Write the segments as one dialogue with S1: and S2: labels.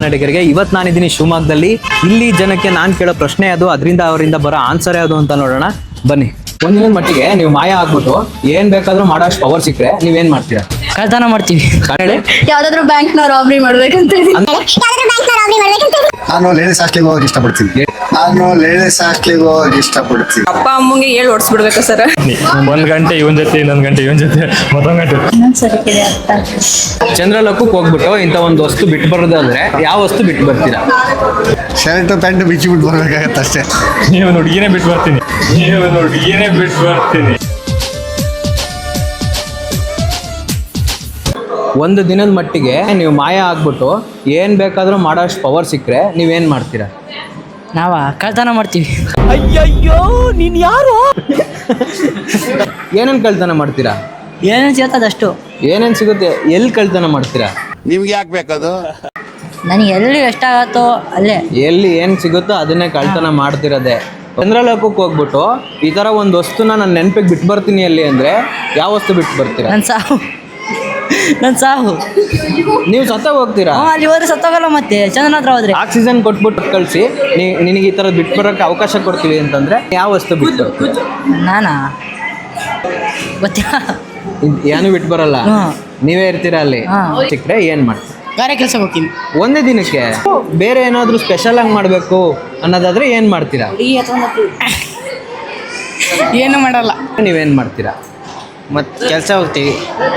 S1: ಕನ್ನಡಿಗರಿಗೆ ಇವತ್ತು ನಾನಿದ್ದೀನಿ ಶಿವಮೊಗ್ಗದಲ್ಲಿ. ಇಲ್ಲಿ ಜನಕ್ಕೆ ನಾನು ಕೇಳೋ ಪ್ರಶ್ನೆ ಅದು, ಅದರಿಂದ ಅವರಿಂದ ಬರೋ ಆನ್ಸರ್ ಯಾವುದು ಅಂತ ನೋಡೋಣ ಬನ್ನಿ. ಒಂದಿನ ಮಟ್ಟಿಗೆ ನೀವು ಮಾಯ ಆಗ್ಬಿಟ್ಟು ಏನ್ ಬೇಕಾದ್ರೂ ಮಾಡೋಷ್ಟು ಪವರ್ ಸಿಕ್ಕರೆ ನೀವೇನ್ ಮಾಡ್ತೀರಾ?
S2: ಕಳ್ತನ ಮಾಡ್ತೀವಿ.
S3: ಯಾವ್ದಾದ್ರು ಬ್ಯಾಂಕ್ ನ ರಾಬ್ರಿ ಮಾಡ್ಬೇಕಂತ
S4: ನಾನು ಲೇಡೀಸ್ ಹಾಸ್ಟೆಲ್ಗೆ ಹೋಗಕ್ಕೆ ಇಷ್ಟಪಡ್ತೀನಿ.
S3: ಅಪ್ಪ ಅಮ್ಮಂಗೆ ಹೇಳಿ ಓಡಿಸ್ಬಿಡ್ಬೇಕಾ ಸರ್?
S5: ಒಂದ್ ಗಂಟೆ ಇವನ್ ಜೊತೆ, ಇನ್ನೊಂದ್ ಗಂಟೆ ಇವನ್ ಜೊತೆ, ಮತ್ತೊಂದ್ ಗಂಟೆ.
S1: ಚಂದ್ರಲೋಕಕ್ಕೆ ಹೋಗ್ಬಿಟ್ಟು ಇಂಥ ಒಂದು ವಸ್ತು ಬಿಟ್ಟು ಬರೋದಾದ್ರೆ ಯಾವ ವಸ್ತು ಬಿಟ್ಟು ಬರ್ತೀರಾ?
S4: ಶರ್ಟ್ ಪ್ಯಾಂಟ್ ಬಿಚ್ಚಿ ಬಿಟ್ಟು ಬರ್ಬೇಕಾಗತ್ತೆ ಅಷ್ಟೇ.
S5: ನೀವು ಹುಡುಗಿನೇ ಬಿಟ್ಟು ಬರ್ತೀನಿ.
S1: ಒಂದು ದಿನದ ಮಟ್ಟಿಗೆ ನೀವು ಮಾಯ ಆಗ್ಬಿಟ್ಟು ಏನ್ ಬೇಕಾದ್ರೂ ಮಾಡೋಷ್ಟು ಪವರ್ ಸಿಕ್ಕರೆ ನೀವೇನ್ ಮಾಡ್ತೀರಾ?
S2: ನಾವ ಕಳ್ತನ ಮಾಡ್ತೀವಿ.
S1: ಅಯ್ಯಯ್ಯೋ ನೀನ್ ಯಾರು? ಏನೇನ್ ಕಳ್ತನ ಮಾಡ್ತೀರಾ?
S2: ಏನೇನು ಸಿಗತ್ತದಷ್ಟು.
S1: ಏನೇನ್ ಸಿಗುತ್ತೆ? ಎಲ್ಲಿ ಕಳ್ತನ ಮಾಡ್ತೀರಾ?
S4: ನಿಮ್ಗೆ ಯಾಕೆ ಬೇಕದು?
S2: ನನಗೆ ಎಲ್ಲಿ ಎಷ್ಟಾಗತ್ತೋ ಅಲ್ಲೇ.
S1: ಎಲ್ಲಿ ಏನ್ ಸಿಗುತ್ತೋ ಅದನ್ನೇ ಕಳ್ತನ ಮಾಡ್ತಿರೋದೆ. ಚಂದ್ರಲೋಕಕ್ಕೆ ಹೋಗ್ಬಿಟ್ಟು ಈ ತರ ಒಂದು ವಸ್ತುನ ನಾನು ನೆನಪಿಗೆ ಬಿಟ್ಟು ಬರ್ತೀನಿ ಅಲ್ಲಿ ಅಂದ್ರೆ ಯಾವ ವಸ್ತು ಬಿಟ್ಟು ಬರ್ತೀರಾ?
S2: ನನ್ನ ಸಾವು.
S1: ನೀವು ಸತ್ತ ಹೋಗ್ತೀರಾ?
S2: ಅಲ್ಲಿ ಹೋದ್ರೆ ಸತ್ತೋಗಲ್ಲ. ಮತ್ತೆ ಚಂದನ ಹತ್ರ ಹೋದ್ರೆ
S1: ಆಕ್ಸಿಜನ್ ಕೊಟ್ಬಿಟ್ಟು ಕಳಿಸಿ ನಿನಗೆ ಈ ಥರದ್ದು ಬಿಟ್ಟು ಬರೋಕ್ಕೆ ಅವಕಾಶ ಕೊಡ್ತೀವಿ ಅಂತಂದ್ರೆ ಯಾವ ವಸ್ತು ಬಿಟ್ಟು?
S2: ನಾನಾ ಗೊತ್ತಿಲ್ಲ.
S1: ಏನು ಬಿಟ್ಟು ಬರಲ್ಲ, ನೀವೇ ಇರ್ತೀರಾ ಅಲ್ಲಿ.
S2: ಹಾಂ.
S1: ಸಿಕ್ಕರೆ ಏನು ಮಾಡ್ತೀರಾ?
S2: ಗಾರೆ ಕೆಲಸ ಹೋಗ್ತೀನಿ.
S1: ಒಂದೇ ದಿನಕ್ಕೆ ಬೇರೆ ಏನಾದರೂ ಸ್ಪೆಷಲ್ ಆಗಿ ಮಾಡಬೇಕು ಅನ್ನೋದಾದ್ರೆ ಏನು ಮಾಡ್ತೀರಾ?
S2: ಏನು ಮಾಡಲ್ಲ.
S1: ನೀವೇನು ಮಾಡ್ತೀರಾ?
S2: ಮತ್ತೆ ಕೆಲಸ ಹೋಗ್ತೀವಿ.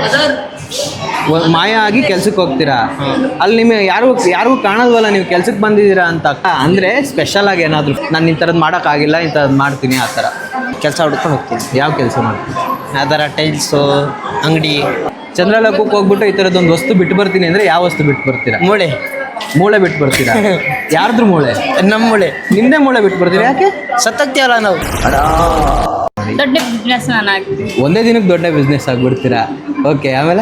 S1: ಮಾಯ ಆಗಿ ಕೆಲ್ಸಕ್ಕೆ ಹೋಗ್ತೀರಾ. ಅಲ್ಲಿ ನಿಮಗೆ ಯಾರಿಗೂ ಕಾಣೋದ್ವಲ್ಲ ನೀವು ಕೆಲ್ಸಕ್ಕೆ ಬಂದಿದ್ದೀರಾ ಅಂತ. ಅಂದರೆ ಸ್ಪೆಷಲ್ ಆಗಿ ಏನಾದರೂ ನಾನು ಈ ಥರದ್ದು ಮಾಡೋಕ್ಕಾಗಿಲ್ಲ, ಇಂಥದ್ದು ಮಾಡ್ತೀನಿ ಆ ಥರ
S2: ಕೆಲಸ ಹುಡ್ಕೊಂಡು ಹೋಗ್ತೀನಿ.
S1: ಯಾವ ಕೆಲಸ ಮಾಡ್ತೀನಿ?
S2: ಆ ಥರ ಟೈಲ್ಸು ಅಂಗಡಿ.
S1: ಚಂದ್ರಲೋಕಕ್ಕೆ ಹೋಗ್ಬಿಟ್ಟು ಈ ಥರದ್ದೊಂದು ವಸ್ತು ಬಿಟ್ಟು ಬರ್ತೀನಿ ಅಂದರೆ ಯಾವ ವಸ್ತು ಬಿಟ್ಟು ಬರ್ತೀರಾ? ಮೂಳೆ ಬಿಟ್ಟು ಬರ್ತೀರಾ? ಯಾರ್ದ್ರ ಮೂಳೆ?
S2: ನಮ್ಮ ಮೂಳೆ.
S1: ನಿಮ್ಮದೇ ಮೂಳೆ ಬಿಟ್ಟು ಬರ್ತೀರಾ? ಯಾಕೆ?
S2: ಸತ್ತೋಗ್ತೀವಲ್ಲ ನಾವು.
S3: ದೊಡ್ಡ ಬಿಸ್ನೆಸ್ ನಾನು ಆಗ್ತೀನಿ.
S1: ಒಂದೇ ದಿನಕ್ಕೆ ದೊಡ್ಡ ಬಿಸ್ನೆಸ್ ಆಗಿಬಿಡ್ತೀರಾ? ಓಕೆ, ಆಮೇಲೆ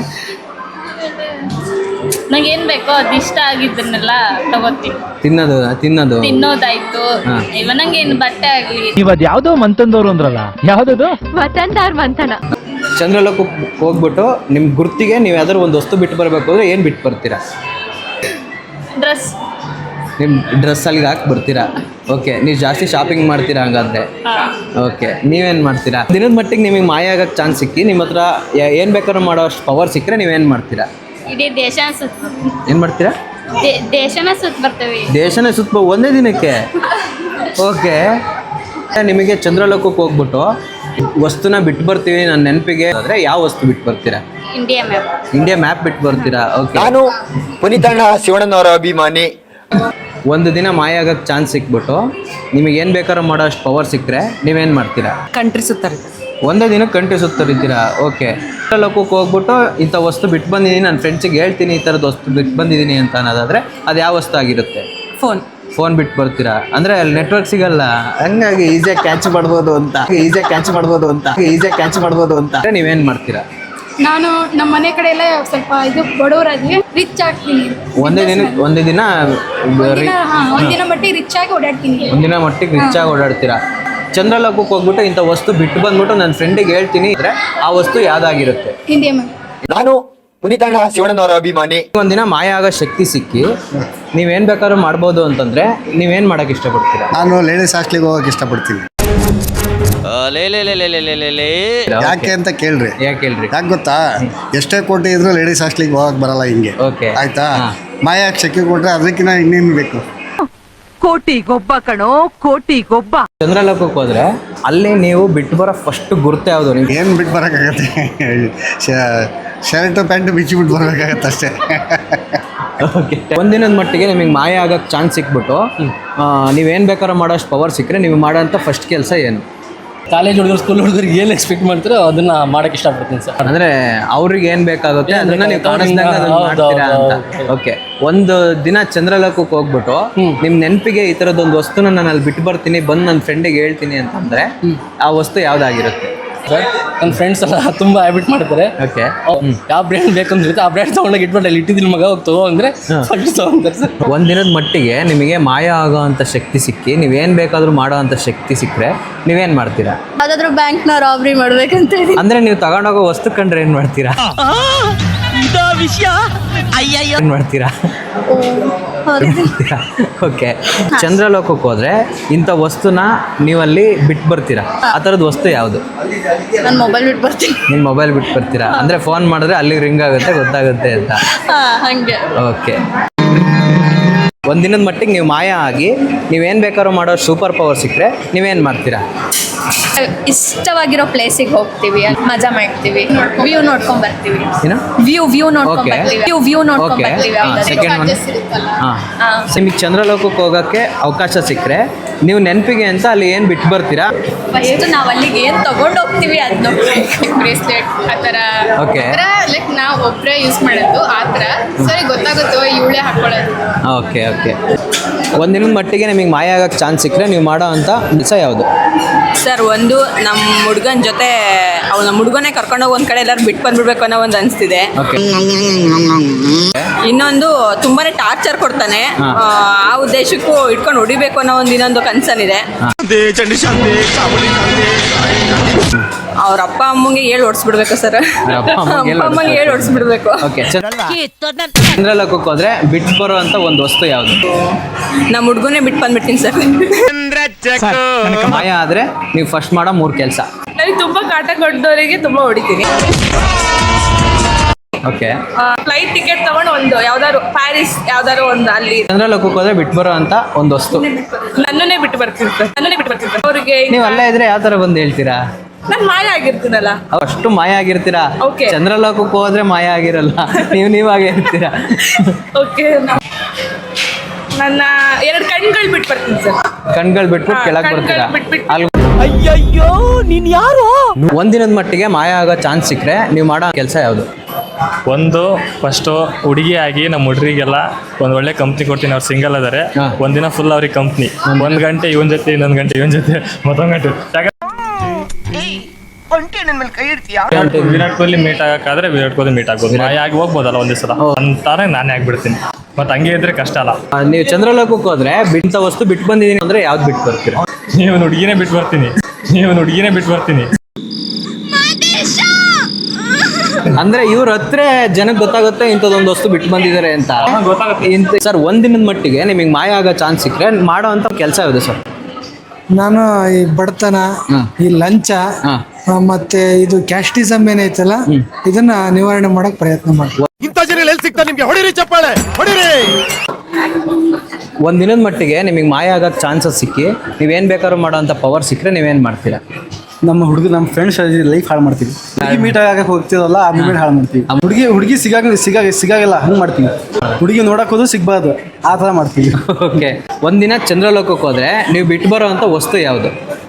S3: ನಂಗೆ ಏನ್ ಬೇಕೋ ಅದು ಇಷ್ಟ ಆಗಿದ್ದನ್ನೆಲ್ಲ ತಗೋತೀನಿ.
S1: ತಿನ್ನೋದು
S3: ತಿನ್ನೋದಾಯ್ತು.
S1: ಹಾ.
S3: ಇವ ನಂಗೆ ಏನು ಬಟ್ಟೆ ಆಗ್ಲಿ.
S5: ಇವತ್ತು ಯಾವ್ದೋ ಮಂತಂದವ್ರು ಅಂದ್ರಲ್ಲ, ಯಾವ್ದದು?
S3: ಮಂತನ
S1: ಚಂದ್ರಲೋಕಕ್ಕೆ ಹೋಗ್ಬಿಟ್ಟು ನಿಮ್ಮ ಗುರ್ತಿಗೆ ನೀವು ಯಾವ್ದಾದ್ರು ಒಂದು ವಸ್ತು ಬಿಟ್ಟು ಬರಬೇಕು ಅಂದರೆ ಏನು ಬಿಟ್ಟು ಬರ್ತೀರಾ?
S3: ಡ್ರೆಸ್.
S1: ನಿಮ್ಮ ಡ್ರೆಸ್ ಅಲ್ಲಿಗೆ ಹಾಕಿ ಬರ್ತೀರಾ? ಓಕೆ, ನೀವು ಜಾಸ್ತಿ ಶಾಪಿಂಗ್ ಮಾಡ್ತೀರಾ ಹಂಗಾದ್ರೆ? ಓಕೆ, ನೀವೇನು ಮಾಡ್ತೀರಾ? ದಿನದ ಮಟ್ಟಿಗೆ ನಿಮಗೆ ಮಾಯ ಆಗೋಕ್ಕೆ ಚಾನ್ಸ್ ಸಿಕ್ಕಿ ನಿಮ್ಮ ಹತ್ರ ಏನು ಬೇಕಾದ್ರೂ ಮಾಡೋ ಅಷ್ಟು ಪವರ್ ಸಿಕ್ಕರೆ ನೀವೇನು ಮಾಡ್ತೀರಾ?
S3: ಇಡೀ ದೇಶ ಸುತ್ತ.
S1: ಏನು ಮಾಡ್ತೀರಾ?
S3: ದೇಶನ ಸುತ್ತ ಬರ್ತೇವೆ.
S1: ದೇಶನೇ ಸುತ್ತ ಒಂದೇ ದಿನಕ್ಕೆ? ಓಕೆ, ನಿಮಗೆ ಚಂದ್ರಲೋಕಕ್ಕೆ ಹೋಗ್ಬಿಟ್ಟು ವಸ್ತುನ ಬಿಟ್ಟು ಬರ್ತೀವಿ ನನ್ನ ನೆನಪಿಗೆ ಅಂದರೆ ಯಾವ ವಸ್ತು ಬಿಟ್ಟು ಬರ್ತೀರಾ? ಇಂಡಿಯಾ ಮ್ಯಾಪ್ ಬಿಟ್ಟು ಬರ್ತೀರಾ? ಓಕೆ.
S4: ನಾನು ಪುನೀತಣ್ಣ ಶಿವಣ್ಣನವರ ಅಭಿಮಾನಿ.
S1: ಒಂದು ದಿನ ಮಾಯ ಆಗೋಕ್ಕೆ ಚಾನ್ಸ್ ಸಿಕ್ಬಿಟ್ಟು ನಿಮಗೆ ಏನು ಬೇಕಾದ್ರೂ ಮಾಡೋ ಅಷ್ಟು ಪವರ್ ಸಿಕ್ಕರೆ ನೀವೇನು ಮಾಡ್ತೀರಾ?
S2: ಕಂಟ್ರಿ ಸುತ್ತಾರೆ.
S1: ಒಂದೇ ದಿನ ಕಂಟ್ರಿ ಸುತ್ತರಿದ್ದೀರಾ? ಓಕೆ. ಲೋಕಕ್ಕೆ ಹೋಗ್ಬಿಟ್ಟು ಇಂಥ ವಸ್ತು ಬಿಟ್ಟು ಬಂದಿದ್ದೀನಿ, ನನ್ನ ಫ್ರೆಂಡ್ಸಿಗೆ ಹೇಳ್ತೀನಿ ಈ ಥರದ್ದು ವಸ್ತು ಬಿಟ್ಟು ಬಂದಿದ್ದೀನಿ ಅಂತ ಅನ್ನೋದಾದರೆ ಅದು ಯಾವ ವಸ್ತು ಆಗಿರುತ್ತೆ? ಫೋನ್ ಬಿಟ್ಟು ಬರ್ತೀರಾ? ಅಂದರೆ ಅಲ್ಲಿ ನೆಟ್ವರ್ಕ್ ಸಿಗಲ್ಲ, ಹಂಗಾಗಿ ಈಸಿಯಾಗಿ ಕ್ಯಾಚ್ ಮಾಡ್ಬೋದು ಅಂತ ನೀವೇನು ಮಾಡ್ತೀರಾ?
S6: ನಾನು ನಮ್ಮ ಮನೆ ಕಡೆ ಎಲ್ಲ ಸ್ವಲ್ಪ ಇದು ಬಡವರಾಗಿ ರಿಚ್ ಆಗ್ತೀನಿ.
S1: ಒಂದೇ ದಿನ
S6: ಒಂದಿನ ಮಟ್ಟಿಗೆ ರಿಚ್ ಆಗಿ ಓಡಾಡ್ತೀನಿ.
S1: ಒಂದಿನ ಮಟ್ಟಿಗೆ ರಿಚ್ ಆಗಿ ಓಡಾಡ್ತೀರಾ. ಚಂದ್ರಲೋಕಕ್ಕೆ ಹೋಗ್ಬಿಟ್ಟು ಇಂಥ ವಸ್ತು ಬಿಟ್ಟು ಬಂದ್ಬಿಟ್ಟು ನನ್ನ ಫ್ರೆಂಡಿಗೆ ಹೇಳ್ತೀನಿ ಅಂದರೆ ಆ ವಸ್ತು ಯಾವ್ದಾಗಿರುತ್ತೆ?
S6: India ma'am.
S4: ನಾನು ಪುನೀತಣ್ಣ ಶಿವಣ್ಣನವರ ಅಭಿಮಾನಿ.
S1: ಒಂದಿನ ಮಾಯ ಆಗೋ ಶಕ್ತಿ ಸಿಕ್ಕಿ ನೀವೇನು ಬೇಕಾದ್ರೂ ಮಾಡ್ಬೋದು ಅಂತಂದರೆ ನೀವೇನು ಮಾಡೋಕ್ಕೆ ಇಷ್ಟಪಡ್ತೀರಾ?
S4: ನಾನು ಲೇಡೀಸ್ ಹಾಸ್ಟೆಲ್ಗೆ ಹೋಗಕ್ಕೆ ಇಷ್ಟಪಡ್ತೀನಿ. ಯಾಕೆ ಅಂತ ಕೇಳ್ರಿ.
S1: ಯಾಕೆ
S4: ಗೊತ್ತಾ? ಎಷ್ಟೇ ಕೋಟಿ ಇದ್ರೂ ಲೇಡೀಸ್ ಹಾಸ್ಟೆಲ್ಗೆ ಹೋಗಕ್ಕೆ ಬರಲ್ಲ ಹಿಂಗೆ.
S1: ಓಕೆ,
S4: ಆಯ್ತಾ? ಮಾಯ ಶಕ್ತಿ ಕೊಟ್ರೆ ಅದಕ್ಕಿಂತ ಇನ್ನೇನು ಬೇಕು?
S7: ಕೋಟಿ ಗೊಬ್ಬ ಕಣೋ, ಕೋಟಿ ಗೊಬ್ಬ.
S1: ಚಂದ್ರಲೋಕಕ್ಕೆ ಹೋದ್ರೆ ಅಲ್ಲಿ ನೀವು ಬಿಟ್ಟು ಬರೋ ಫಸ್ಟ್ ಗುರ್ತು ಯಾವುದು ನಿಮ್ಗೆ?
S4: ಏನು ಬಿಟ್ಟು ಬರೋಕ್ಕಾಗತ್ತೆ? ಶರ್ಟ್ ಪ್ಯಾಂಟ್ ಬಿಚ್ಚಿ ಬಿಟ್ಟು ಬರ್ಬೇಕಾಗತ್ತೆ ಅಷ್ಟೇ.
S1: ಓಕೆ. ಒಂದಿನದ ಮಟ್ಟಿಗೆ ನಿಮಗೆ ಮಾಯ ಆಗೋಕ್ಕೆ ಚಾನ್ಸ್ ಸಿಕ್ಬಿಟ್ಟು ನೀವೇನು ಬೇಕಾದ್ರೂ ಮಾಡೋಷ್ಟು ಪವರ್ ಸಿಕ್ಕರೆ ನೀವು ಮಾಡೋಂಥ ಫಸ್ಟ್ ಕೆಲಸ ಏನು?
S2: ಕಾಲೇಜ್ ಹುಡುಗರು, ಸ್ಕೂಲ್ ಹುಡುಗರಿಗೆ ಏನು ಎಕ್ಸ್ಪೆಕ್ಟ್ ಮಾಡ್ತೀರೋ ಅದನ್ನ ಮಾಡಕ್ಕೆ ಇಷ್ಟಪಡ್ತೀನಿ ಸರ್.
S1: ಅಂದರೆ ಅವ್ರಿಗೆ ಏನು ಬೇಕಾಗುತ್ತೆ ಅದನ್ನ ನೀವು ಕಾಣಿಸ್ದಾಗ ಅದನ್ನ ಮಾಡ್ತೀರಾ ಅಂತ. ಓಕೆ. ಒಂದು ದಿನ ಚಂದ್ರಲೋಕಕ್ಕೆ ಹೋಗ್ಬಿಟ್ಟು ನಿಮ್ಮ ನೆನಪಿಗೆ ಈ ಥರದ್ದೊಂದು ವಸ್ತುನ ನಾನು ಅಲ್ಲಿ ಬಿಟ್ಟು ಬರ್ತೀನಿ, ಬಂದು ನನ್ನ ಫ್ರೆಂಡಿಗೆ ಹೇಳ್ತೀನಿ ಅಂತಂದರೆ ಆ ವಸ್ತು ಯಾವುದಾಗಿರುತ್ತೆ?
S2: ಸರ್, ನನ್ನ ಫ್ರೆಂಡ್ಸ್ ಎಲ್ಲ ತುಂಬ ಹ್ಯಾಬಿಟ್ ಮಾಡ್ತಾರೆ.
S1: ಓಕೆ.
S2: ಯಾವ ಬ್ರ್ಯಾಂಡ್ ಬೇಕಂದ್ರೆ ಆ ಬ್ರ್ಯಾಂಡ್ ತೊಗೊಂಡೋಗಿ ಇಟ್ಬಿಟ್ಟು ಅಲ್ಲಿ ಇಟ್ಟಿದ್ದೀನಿ ಮಗ, ಹೋಗಿ ತಗೋ ಅಂದರೆ ತೊಗೊಂತಾರೆ ಸರ್.
S1: ಒಂದಿನದ ಮಟ್ಟಿಗೆ ನಿಮಗೆ ಮಾಯ ಆಗೋ ಅಂಥ ಶಕ್ತಿ ಸಿಕ್ಕಿ ನೀವೇನು ಬೇಕಾದರೂ ಮಾಡೋ ಅಂಥ ಶಕ್ತಿ ಸಿಕ್ಕರೆ ನೀವೇನು ಮಾಡ್ತೀರಾ?
S3: ಯಾವ್ದಾದ್ರು ಬ್ಯಾಂಕ್ ನ ರಾಬ್ರಿ ಮಾಡ್ಬೇಕಂತ.
S1: ಅಂದರೆ ನೀವು ತಗೊಂಡೋಗೋ ವಸ್ತು ಕಂಡ್ರೆ ಏನು ಮಾಡ್ತೀರಾ? ಏನ್ ಮಾಡ್ತೀರಾ? ಓಕೆ. ಚಂದ್ರಲೋಕಕ್ಕೆ ಹೋದ್ರೆ ಇಂಥ ವಸ್ತುನ ನೀವಲ್ಲಿ ಬಿಟ್ಟು ಬರ್ತೀರಾ, ಆ ಥರದ ವಸ್ತು ಯಾವುದು?
S3: ನಾನು ಮೊಬೈಲ್ ಬಿಟ್ಟು ಬರ್ತೀನಿ.
S1: ನಿಮ್ಮ ಮೊಬೈಲ್ ಬಿಟ್ಟು ಬರ್ತೀರಾ ಅಂದ್ರೆ ಫೋನ್ ಮಾಡಿದ್ರೆ ಅಲ್ಲಿ ರಿಂಗ್ ಆಗುತ್ತೆ, ಗೊತ್ತಾಗುತ್ತೆ ಅಂತ.
S3: ಹಂಗೆ.
S1: ಓಕೆ. ಒಂದಿನದ ಮಟ್ಟಿಗೆ ನೀವು ಮಾಯ ಆಗಿ ನೀವೇನು ಬೇಕಾದ್ರೂ ಮಾಡೋ ಸೂಪರ್ ಪವರ್ ಸಿಕ್ಕರೆ ನೀವೇನು ಮಾಡ್ತೀರಾ?
S3: ಇಷ್ಟವಾಗಿರೋ ಪ್ಲೇಸಿಗೆ ಹೋಗ್ತೀವಿ, ಮಜಾ ಮಾಡ್ತೀವಿ, ವ್ಯೂ ನೋಡ್ಕೊಂಡ್ ಬರ್ತೀವಿ.
S1: ಏನು?
S3: ವ್ಯೂ ನೋಡ್ಕೊಂಡ್
S1: Okay.
S3: ಬರ್ತೀವಿ. ವ್ಯೂ ನೋಡ್ಕೊಂಡ್
S1: ಓಕೆ.
S3: ಬರ್ತೀವಿ.
S1: Second one. ಹಾಂ. ನಿಮಗೆ ಚಂದ್ರಲೋಕಕ್ಕೆ ಹೋಗೋಕ್ಕೆ ಅವಕಾಶ ಸಿಕ್ಕರೆ ನೀವು ನೆನಪಿಗೆ ಅಂತ ಅಲ್ಲಿ ಏನು ಬಿಟ್ಟು ಬರ್ತೀರಾ?
S3: ಫಸ್ಟ್ ನಾವು ಅಲ್ಲಿಗೆ ಏನು ತಗೊಂಡು ಹೋಗ್ತೀವಿ ಅದನ್ನ ಬ್ರೇಸ್ಲೆಟ್ ಆ ಥರ.
S1: ಓಕೆ.
S6: ಲೈಕ್ ನಾವು ಒಬ್ಬರೇ ಯೂಸ್ ಮಾಡೋದು ಆ ಥರ. ಸರಿ ಗೊತ್ತಾಗುತ್ತೋ ಇವಳೇ ಹಾಕೊಳ್ಳೋದು.
S1: Okay okay. ಒಂದಿನದ ಮಟ್ಟಿಗೆ ನಿಮಗೆ ಮಾಯ ಆಗೋಕ್ಕೆ ಚಾನ್ಸ್ ಸಿಕ್ಕರೆ ನೀವು ಮಾಡೋ ಅಂಥ ಕೆಲಸ ಯಾವುದು?
S8: ಸರ್, ಒಂದು ನಮ್ಮ ಹುಡುಗನ ಜೊತೆ ನಮ್ಮ ಹುಡುಗನೇ ಕರ್ಕೊಂಡೋಗಿ ಒಂದು ಕಡೆ ಎಲ್ಲರೂ ಬಿಟ್ಟು ಬಂದ್ಬಿಡ್ಬೇಕು ಅನ್ನೋ ಒಂದು ಅನಿಸ್ತಿದೆ.
S1: ಓಕೆ.
S8: ಇನ್ನೊಂದು ತುಂಬಾನೇ ಟಾರ್ಚರ್ ಕೊಡ್ತಾನೆ, ಆ ಉದ್ದೇಶಕ್ಕೂ ಇಟ್ಕೊಂಡು ಹೊಡಿಬೇಕು ಅನ್ನೋ ಒಂದು ಇನ್ನೊಂದು ಕನ್ಸರ್ನ್ ಇದೆ. ಅವ್ರ ಅಪ್ಪ ಅಮ್ಮಂಗೆ ಹೇಳಿ ಓಡಿಸ್ಬಿಡ್ಬೇಕು ಸರ್.
S1: ಅಪ್ಪ
S8: ಅಮ್ಮಂಗೆ ಹೇಳಿ ಓಡಿಸ್ಬಿಡ್ಬೇಕು.
S1: ಓಕೆ. ಚಂದ್ರಲೋಕಕ್ಕೆ ಹೋದ್ರೆ ಬಿಟ್ಟು ಬರೋ ಅಂತ ಒಂದು ವಸ್ತು ಯಾವುದು?
S8: ನಮ್ಮ ಹುಡುಗನೇ ಬಿಟ್ಟು ಬಂದ್ಬಿಡ್ತೀನಿ ಸರ್.
S1: ಮಾಯ ಆದರೆ ನೀವು ಫಸ್ಟ್ ಮಾಡೋ 3 ಕೆಲಸ.
S8: ನನಗೆ ತುಂಬ ಕಾಟ ಕೊಟ್ಟವರಿಗೆ ತುಂಬ ಹೊಡಿತೀನಿ.
S1: ಓಕೆ.
S8: ಫ್ಲೈಟ್ ಟಿಕೆಟ್ ತಗೊಂಡು ಒಂದು ಯಾವ್ದಾದ್ರು ಪ್ಯಾರಿಸ್ ಯಾವ್ದಾದ್ರು ಒಂದು ಅಲ್ಲಿ
S1: ಚಂದ್ರಲೋಕಕ್ಕೆ ಹೋದ್ರೆ ಬಿಟ್ಟು ಬರೋ ಅಂತ ಒಂದು ವಸ್ತು.
S8: ನನ್ನನ್ನೇ ಬಿಟ್ಟು ಬರ್ತೀನಿ ಸರ್. ಅವ್ರಿಗೆ
S1: ನೀವು ಅಲ್ಲೇ ಇದ್ರೆ ಯಾವ ಥರ ಬಂದು ಹೇಳ್ತೀರಾ?
S8: ನಾನು ಮಾಯ ಆಗಿರ್ತೀನಲ್ಲ.
S1: ಅಷ್ಟು ಮಾಯ ಆಗಿರ್ತೀರಾ?
S8: Okay.
S1: ಚಂದ್ರಲೋಕಕ್ಕೆ ಹೋದ್ರೆ ಮಾಯ ಆಗಿರಲ್ಲ, ನೀವಾಗೇ ಇರ್ತೀರಾ.
S8: ಓಕೆ. ನನ್ನ 2 ಕಣ್ಗಳು ಬಿಟ್ಟು ಬರ್ತೀನಿ ಸರ್.
S1: ಕಣ್ಗಳು ಬಿಟ್ಬಿಟ್ಟು ಕೆಳಗೆ
S8: ಕಣ್ಗಳ್
S1: ಬರ್ತೀರಾ?
S8: ಬಿಟ್ಬಿಟ್ಟು.
S1: ಅಲ್ಲಿ
S7: ಅಯ್ಯಯ್ಯೋ ನೀನ್ ಯಾರು?
S1: ಒಂದಿನದ ಮಟ್ಟಿಗೆ ಮಾಯ ಆಗೋ ಚಾನ್ಸ್ ಸಿಕ್ಕರೆ ನೀವು ಮಾಡೋ ಕೆಲಸ ಯಾವುದು?
S5: ಒಂದು ಫಸ್ಟು ಹುಡುಗಿ ಆಗಿ ನಮ್ಮ ಹುಡುಗರಿಗೆಲ್ಲ ಒಂದು ಒಳ್ಳೆ ಕಂಪ್ನಿ ಕೊಡ್ತೀನಿ. ಅವ್ರು ಸಿಂಗಲ್ ಅದಾರೆ.
S1: ಹಾ.
S5: ಒಂದಿನ ಫುಲ್ ಅವ್ರಿಗೆ ಕಂಪ್ನಿ. 1 ಗಂಟೆ ಇವನ್ ಜೊತೆ, ಇನ್ನೊಂದು ಗಂಟೆ ಇವನ್ ಜೊತೆ, ಮತ್ತೊಂದು ಗಂಟೆ ವಿರಾಟ್ ಕೊಹ್ಲಿ ಮೀಟ್ ಆಗಕ್ಕಾದ್ರೆ ವಿರಾಟ್ ಕೊಹ್ಲಿ ಮೀಟ್ ಆಗ್ಬೋದು. ಮಾಯ ಆಗಿ ಹೋಗ್ಬೋದಲ್ಲ ಒಂದೇ ಸಲ ಅಂತಾನೆ ನಾನೇ ಆಗ್ಬಿಡ್ತೀನಿ. ಮತ್ತೆ ಹಂಗೆ ಇದ್ರೆ ಕಷ್ಟ ಅಲ್ಲ.
S1: ನೀವು ಚಂದ್ರಲೋಕಕ್ಕೆ ಹೋದ್ರೆ ಬಿಂತ ವಸ್ತು ಬಿಟ್ಟು ಬಂದಿದ್ದೀನಿ ಅಂದ್ರೆ ಯಾವ್ದು ಬಿಟ್ಟು ಬರ್ತೀರಾ?
S5: ನೀವು ಹುಡುಗಿನೇ ಬಿಟ್ಟು ಬರ್ತೀನಿ.
S1: ಅಂದ್ರೆ ಇವ್ರ ಹತ್ರ ಜನಕ್ಕೆ ಗೊತ್ತಾಗುತ್ತೆ ಇಂಥದ್ದೊಂದು ವಸ್ತು ಬಿಟ್ಟು ಬಂದಿದ್ದಾರೆ ಅಂತ.
S5: ಗೊತ್ತಾಗುತ್ತೆ.
S1: ಸರ್, ಒಂದಿನದ ಮಟ್ಟಿಗೆ ನಿಮಗೆ ಮಾಯ ಆಗೋ ಚಾನ್ಸ್ ಸಿಕ್ಕರೆ ಮಾಡೋ ಅಂತ ಕೆಲಸ ಯಾವುದು ಸರ್?
S9: ನಾನು ಈ ಬಡತನ, ಈ ಲಂಚ, ಮತ್ತೆ ಇದು ಕ್ಯಾಸ್ಟಿಸಮ್ ಏನೈತಲ್ಲ, ಇದನ್ನ ನಿವಾರಣೆ ಮಾಡಕ್ ಪ್ರಯತ್ನ ಮಾಡ್ತೀನಿ.
S1: ಒಂದಿನದ ಮಟ್ಟಿಗೆ ನಿಮಗೆ ಮಾಯ ಆಗೋ ಚಾನ್ಸಸ್ ಸಿಕ್ಕಿ ನೀವೇನು ಬೇಕಾದ್ರೂ ಮಾಡೋ ಅಂತ ಪವರ್ ಸಿಕ್ಕರೆ ನೀವೇನು ಮಾಡ್ತೀರಾ?
S9: ನಮ್ಮ ಫ್ರೆಂಡ್ಸ್ ಲೈಫ್ ಹಾಳು ಮಾಡ್ತೀವಿ. ಹುಡುಗಿ ಮೀಟ್ ಆಗಕ್ಕೆ ಹೋಗ್ತೀವಲ್ಲ, ಆ ಮೂಮೆಂಟ್ ಹಾಳು ಮಾಡ್ತೀವಿ. ಹುಡುಗಿ ಸಿಗಾಗಲ್ಲ ಹಂಗೆ ಮಾಡ್ತೀವಿ. ಹುಡುಗಿ ನೋಡಕ್ ಹೋದ್ರು ಸಿಗ್ಬಾರ್ದು, ಆ ಥರ ಮಾಡ್ತೀವಿ.
S1: ಓಕೆ. ಒಂದಿನ ಚಂದ್ರಲೋಕಕ್ಕೆ ಹೋದ್ರೆ ನೀವು ಬಿಟ್ಟು ಬರೋ ಅಂತ ವಸ್ತು ಯಾವುದು?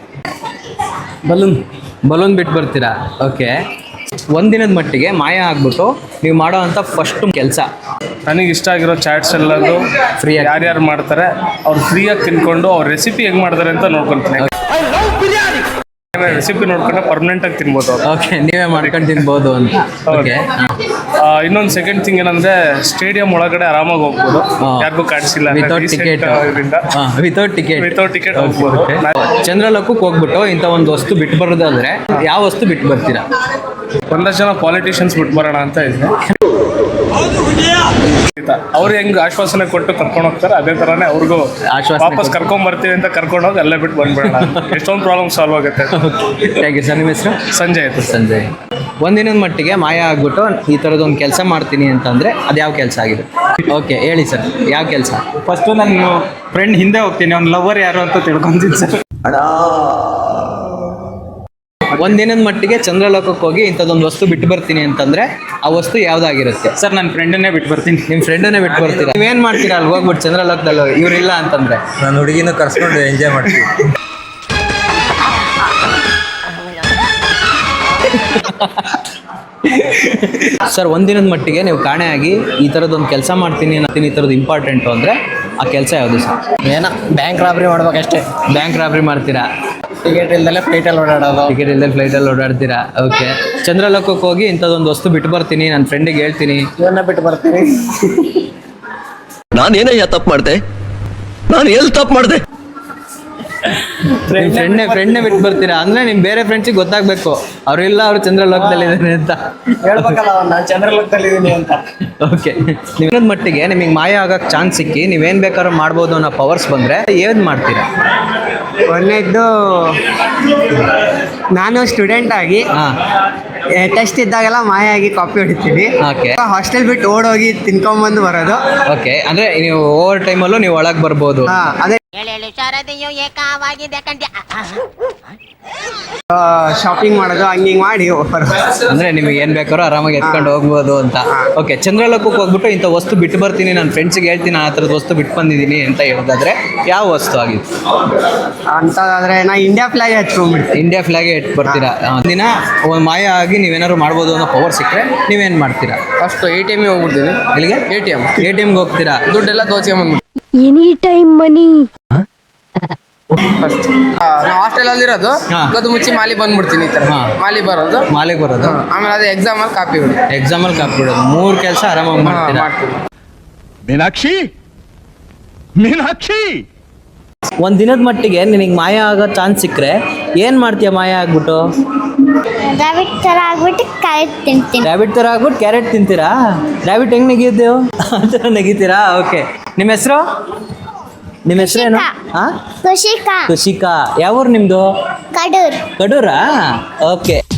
S1: ಬಲೂನ್ ಬಿಟ್ಟು ಬರ್ತೀರಾ? ಓಕೆ. ಒಂದಿನದ ಮಟ್ಟಿಗೆ ಮಾಯ ಆಗ್ಬಿಟ್ಟು ನೀವು ಮಾಡೋ ಅಂತ ಫಸ್ಟ್ ಕೆಲಸ?
S2: ನನಗೆ ಇಷ್ಟ ಆಗಿರೋ ಚಾಟ್ಸ್ ಎಲ್ಲದು
S1: ಫ್ರೀಯಾಗಿ
S2: ಯಾರ್ಯಾರು ಮಾಡ್ತಾರೆ ಅವ್ರು ಫ್ರೀಯಾಗಿ ತಿನ್ಕೊಂಡು ಅವ್ರ ರೆಸಿಪಿ ಹೆಂಗೆ ಮಾಡ್ತಾರೆ ಅಂತ ನೋಡ್ಕೊಂತೀನಿ. ರೆಸಿಪಿ ನೋಡ್ಕೊಂಡ್ರೆ ಪರ್ಮನೆಂಟ್ ಆಗಿ ತಿನ್ಬೋದು ಅವ್ರು.
S1: ಓಕೆ. ನೀವೇ ಮಾಡ್ಕೊಂಡು ತಿನ್ಬೋದು ಅಂತ. ಓಕೆ.
S2: ಇನ್ನೊಂದು ಸೆಕೆಂಡ್ ಥಿಂಗ್ ಏನಂದ್ರೆ ಸ್ಟೇಡಿಯಂ ಒಳಗಡೆ ಆರಾಮಾಗಿ ಹೋಗ್ಬೋದು, ಯಾರಿಗೂ ಕಾಣಿಸಿಲ್ಲ.
S1: ವಿತೌಟ್ ಟಿಕೆಟ್
S2: ಹೋಗ್ಬೋದು.
S1: ಚಂದ್ರಲೋಕಕ್ಕೆ ಹೋಗ್ಬಿಟ್ಟು ಇಂಥ ಒಂದು ವಸ್ತು ಬಿಟ್ಟು ಬರೋದಾದ್ರೆ ಯಾವ ವಸ್ತು ಬಿಟ್ಟು ಬರ್ತೀರಾ?
S2: ಒಂದಷ್ಟು ಜನ ಪಾಲಿಟಿಷಿಯನ್ಸ್ ಬಿಟ್ಟು ಬರೋಣ ಅಂತ ಇದೆ. ಅವ್ರು ಹೆಂಗ್ ಆಶ್ವಾಸನೆ ಕೊಟ್ಟು ಕರ್ಕೊಂಡು ಹೋಗ್ತಾರೆ ಅದೇ ತರಾನೇ ಅವ್ರಿಗೂ ವಾಪಸ್ ಕರ್ಕೊಂಡ್ ಬರ್ತೀವಿ ಅಂತ ಕರ್ಕೊಂಡು ಹೋಗಿ ಅಲ್ಲೇ ಬಿಟ್ಟು ಬಂದ್ಬಿಡೋಣ. ಎಷ್ಟೊಂದು ಪ್ರಾಬ್ಲಮ್ ಸಾಲ್ವ್ ಆಗುತ್ತೆ.
S1: Thank you sir. ನಿಮ್ಮ ಹೆಸರು?
S2: ಸಂಜಯ್ ಆಯ್ತು.
S1: ಸಂಜಯ್. ಒಂದಿನದ ಮಟ್ಟಿಗೆ ಮಾಯ ಆಗ್ಬಿಟ್ಟು ಈ ಥರದೊಂದು ಕೆಲಸ ಮಾಡ್ತೀನಿ ಅಂತಂದರೆ ಅದು ಯಾವ ಕೆಲಸ ಆಗಿದೆ? ಓಕೆ, ಹೇಳಿ ಸರ್, ಯಾವ ಕೆಲಸ?
S9: ಫಸ್ಟು ನನ್ನ ಫ್ರೆಂಡ್ ಹಿಂದೆ ಹೋಗ್ತೀನಿ, ಅವ್ನ ಲವರ್ ಯಾರು ಅಂತ ತಿಳ್ಕೊಂತೀನಿ ಸರ್.
S1: ಒಂದಿನದ ಮಟ್ಟಿಗೆ ಚಂದ್ರಲೋಕಕ್ಕೆ ಹೋಗಿ ಇಂಥದ್ದೊಂದು ವಸ್ತು ಬಿಟ್ಟು ಬರ್ತೀನಿ ಅಂತಂದ್ರೆ ಆ ವಸ್ತು ಯಾವ್ದಾಗಿರುತ್ತೆ?
S9: ಸರ್, ನನ್ನ ಫ್ರೆಂಡನ್ನೇ ಬಿಟ್ಟು ಬರ್ತೀನಿ.
S1: ನಿಮ್ಮ ಫ್ರೆಂಡನ್ನೇ ಬಿಟ್ಟು ಬರ್ತೀರಾ? ನೀವೇನು ಮಾಡ್ತೀರಾ ಅಲ್ಲಿ ಹೋಗ್ಬಿಟ್ಟು ಚಂದ್ರಲೋಕದಲ್ಲಿ ಇವ್ರಿಲ್ಲ ಅಂತಂದ್ರೆ?
S10: ನಾನು ಹುಡುಗಿನ ಕರ್ಸ್ಕೊಂಡು ಎಂಜಾಯ್ ಮಾಡ್ತೀನಿ.
S1: ಸರ್, ಒಂದಿನದ ಮಟ್ಟಿಗೆ ನೀವು ಕಾಣೆಯಾಗಿ ಈ ಥರದೊಂದು ಕೆಲಸ ಮಾಡ್ತೀನಿ ಈ ಥರದ್ದು ಇಂಪಾರ್ಟೆಂಟು ಅಂದರೆ ಆ ಕೆಲಸ ಯಾವುದು ಸರ್?
S9: ಏನೋ ಬ್ಯಾಂಕ್ ರಾಬ್ರಿ ಮಾಡ್ಬೇಕಷ್ಟೇ.
S1: ಬ್ಯಾಂಕ್ ರಾಬ್ರಿ ಮಾಡ್ತೀರಾ?
S9: ಟಿಕೆಟ್ ಇಲ್ದಲೆ ಫ್ಲೈಟಲ್ಲಿ
S1: ಓಡಾಡ್ತೀರಾ? ಓಕೆ. ಚಂದ್ರಲೋಕಕ್ಕೆ ಹೋಗಿ ಇಂಥದ್ದೊಂದು ವಸ್ತು ಬಿಟ್ಟು ಬರ್ತೀನಿ, ನನ್ನ ಫ್ರೆಂಡಿಗೆ ಹೇಳ್ತೀನಿ,
S9: ಇವನ್ನ ಬಿಟ್ಟು ಬರ್ತೀನಿ.
S10: ನಾನೇನಯ್ಯ ತಪ್ಪು ಮಾಡಿದೆ? ನಾನು ಎಲ್ಲಿ ತಪ್ಪು ಮಾಡಿದೆ?
S1: ನಿಮ್ಮ ಫ್ರೆಂಡ್ನೇ ಬಿಟ್ಟು ಬರ್ತೀರಾ ಅಂದ್ರೆ ನಿಮ್ ಬೇರೆ ಫ್ರೆಂಡ್ಸಿಗೆ ಗೊತ್ತಾಗ್ಬೇಕು ಅವ್ರಿಲ್ಲ ಅವ್ರು ಚಂದ್ರಲೋಕದಲ್ಲಿ ಇದ್ದಾರೆ ಅಂತ.
S9: ಹೇಳ್ಬೇಕಲ್ಲ ನಾನು ಚಂದ್ರಲೋಕದಲ್ಲಿದ್ದೀನಿ ಅಂತ.
S1: ಓಕೆ, ನಿಮ್ಮದ ಮಟ್ಟಿಗೆ ನಿಮಗೆ ಮಾಯ ಆಗಕ್ಕೆ ಚಾನ್ಸ್ ಸಿಕ್ಕಿ ನೀವೇನು ಬೇಕಾದ್ರೂ ಮಾಡ್ಬೋದು ಅನ್ನೋ ಪವರ್ಸ್ ಬಂದರೆ ಏನು ಮಾಡ್ತೀರಾ?
S11: ಒಂದನೇದ್ದು ನಾನು ಸ್ಟೂಡೆಂಟ್ ಆಗಿ
S1: ಹಾಂ,
S11: ಟೆಸ್ಟ್ ಇದ್ದಾಗೆಲ್ಲ ಮಾಯ ಆಗಿ ಕಾಪಿ ಹೊಡಿತೀವಿ.
S1: ಓಕೆ
S11: ಹಾಸ್ಟೆಲ್ ಬಿಟ್ಟು ಓಡೋಗಿ ತಿನ್ಕೊಂಬಂದು ಬರೋದು.
S1: ಓಕೆ, ಅಂದರೆ ನೀವು ಓವರ್ ಟೈಮಲ್ಲೂ ನೀವು ಒಳಗೆ ಬರ್ಬೋದು.
S11: ಅದೇ ಶಾಪಿಂಗ್ ಮಾಡೋದು ಹಂಗೆ ಮಾಡಿ ಬರೋದು.
S1: ಅಂದರೆ ನಿಮಗೆ ಏನು ಬೇಕಾದ್ರೂ ಆರಾಮಾಗಿ ಎತ್ಕೊಂಡು ಹೋಗ್ಬೋದು ಅಂತ. ಓಕೆ, ಚಂದ್ರಲೋಕಕ್ಕೆ ಹೋಗ್ಬಿಟ್ಟು ಇಂಥ ವಸ್ತು ಬಿಟ್ಟು ಬರ್ತೀನಿ, ನನ್ನ ಫ್ರೆಂಡ್ಸಿಗೆ ಹೇಳ್ತೀನಿ ಆ ಥರದ ವಸ್ತು ಬಿಟ್ಟು ಬಂದಿದ್ದೀನಿ ಅಂತ ಹೇಳಿದ್ರೆ ಯಾವ ವಸ್ತು ಆಗಿತ್ತು?
S11: ಅಂತಂದ್ರೆ ನಾ ಇಂಡಿಯಾ ಫ್ಲಾಗ್ ಹಚ್ಕೊಂಡ್ಬಿಡ್ತೀನಿ.
S1: ಇಂಡಿಯಾ ಫ್ಲಾಗೆ ಇಟ್ಟು ಬರ್ತೀರಾ. ದಿನ ಒಂದು ಮಾಯ ಆಗಿ ನೀವೇನಾದ್ರು ಮಾಡ್ಬೋದು ಅನ್ನೋ ಪವರ್ ಸಿಕ್ಕರೆ ನೀವೇನು ಮಾಡ್ತೀರಾ?
S11: ಫಸ್ಟ್ ATM ಹೋಗ್ಬಿಡ್ತೀನಿ.
S1: ಇಲ್ಲಿಗೆ ಎ ಟಿ ಎಮ್ಗೆ ಹೋಗ್ತೀರಾ?
S11: ದುಡ್ಡೆಲ್ಲ ದೋಚ್ಕೊಂಡ್ಬಂದ್ಬಿಡ್ತೀನಿ.
S7: Any time money.
S11: ನಾವು ಹಾಸ್ಟೆಲ್ ಅಲ್ಲಿ ಇರೋದು,
S1: ಹಾ.
S11: ಅದು ಮುಚ್ಚಿ ಮಾಲಿ ಬಂದ್ಬಿಡ್ತೀನಿ. ಈ ತರ
S1: ಹಾ.
S11: ಮಾಲಿ ಬರೋದು,
S1: ಮಾಲೆಗೆ ಬರೋದು,
S11: ಆಮೇಲೆ ಅದೇ ಎಕ್ಸಾಮ್ ಅಲ್ಲಿ ಕಾಪಿ ಹೊಡಿ
S1: ಎಕ್ಸಾಮಲ್ಲಿ ಕಾಪಿ ಬಿಡೋದು. 3 ಕೆಲಸ ಆರಾಮಾಗಿ ಮಾಡ್ತೀರಾ.
S11: ಮಾಡ್ತೀನಿ.
S2: ಮೀನಾಕ್ಷಿ
S1: ಒಂದು ದಿನದ ಮಟ್ಟಿಗೆ ನಿನಗೆ ಮಾಯ ಆಗೋ ಚಾನ್ಸ್ ಸಿಕ್ಕರೆ ಏನು ಮಾಡ್ತೀಯ? ಮಾಯ ಆಗ್ಬಿಟ್ಟು
S3: ರ್ಯಾಬಿಟ್ ಥರ ಆಗ್ಬಿಟ್ಟು ಕಾಯಿ ತಿಂತೀನಿ.
S1: ರ್ಯಾಬಿಟ್ ಥರ ಆಗ್ಬಿಟ್ಟು ಕ್ಯಾರೆಟ್ ತಿಂತೀರಾ? ರ್ಯಾಬಿಟ್ ಹೆಂಗೆ ನೆಗಿದ್ದೇವು ಆ ಥರ ನೆಗಿತೀರಾ? ಓಕೆ, ನಿಮ್ಮ ಹೆಸರು? ನಿಮ್ಮ ಹೆಸರೇನು? ಹಾಂ,
S3: ಖುಷಿಕಾ
S1: ಖುಷಿಕಾ. ಯಾವ ಊರು ನಿಮ್ಮದು?
S3: ಕಡೂರ್.
S1: ಕಡೂರಾ? ಓಕೆ.